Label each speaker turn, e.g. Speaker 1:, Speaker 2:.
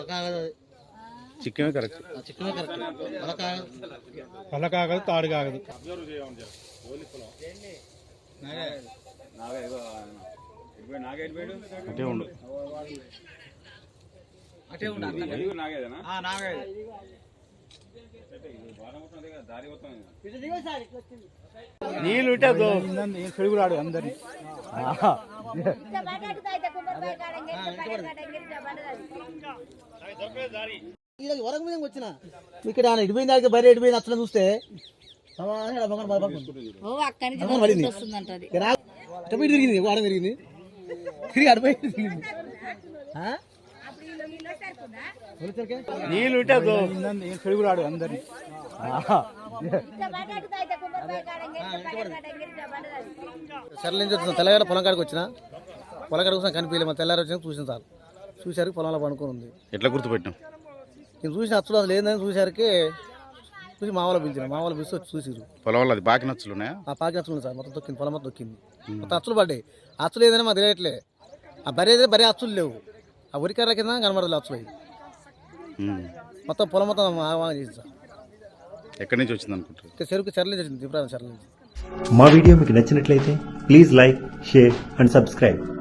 Speaker 1: చిక్కమే correct.
Speaker 2: పళ్ళ కాగదు, తాడు కాగదు.
Speaker 1: అటే ఉండు. నీళ్ళు ఉంటే
Speaker 2: పెరుగురాడు అందరినీ.
Speaker 3: వరకు మీద వచ్చిన ఇక్కడ ఎడిపోయింది దానికి బయట ఎడిపోయింది అట్లా చూస్తే తిరిగింది వారం తిరిగింది తిరిగి అడిపోయి తిరిగింది.
Speaker 1: నీళ్ళు ఉంటే
Speaker 2: పెరుగురాడు అందరినీ.
Speaker 3: సర్ల నుంచి వచ్చిన తెల్లగాడ పొలం కాడికి వచ్చిన పొలం కాడికి వచ్చిన కనిపించలేదు. మా తెల్లారి వచ్చిన చూసిన సార్ చూసారికి పొలంలో పడుకొని ఉంది.
Speaker 1: ఎట్లా గుర్తుపెట్టాం?
Speaker 3: నేను చూసిన అచ్చులు అసలు ఏందని చూసారికి చూసి మామూలు పిలిచిన మామూలు పిలిచి వచ్చి చూసిరు.
Speaker 1: పొలం వల్ల అది బాకి నచ్చులు ఉన్నాయా?
Speaker 3: ఆ పాకి నచ్చులు సార్ మొత్తం తొక్కింది. పొలం మొత్తం తొక్కింది. మొత్తం అచ్చులు పడ్డాయి. అచ్చులు ఏదైనా మాకు తెలియట్లే. ఆ బరీ అయితే బరీ అచ్చులు లేవు. ఆ ఉరికర్ర కింద కనబడలేదు అచ్చులు అవి. మొత్తం పొలం మొత్తం చేసింది సార్.
Speaker 1: ఎక్కడి నుంచి వచ్చింది అనుకుంటారు?
Speaker 3: చెరుకు చెర్ల నుంచి వచ్చింది. తిప్పురాని చెర్ల నుంచి.
Speaker 4: మా వీడియో మీకు నచ్చినట్లయితే please like, share and subscribe.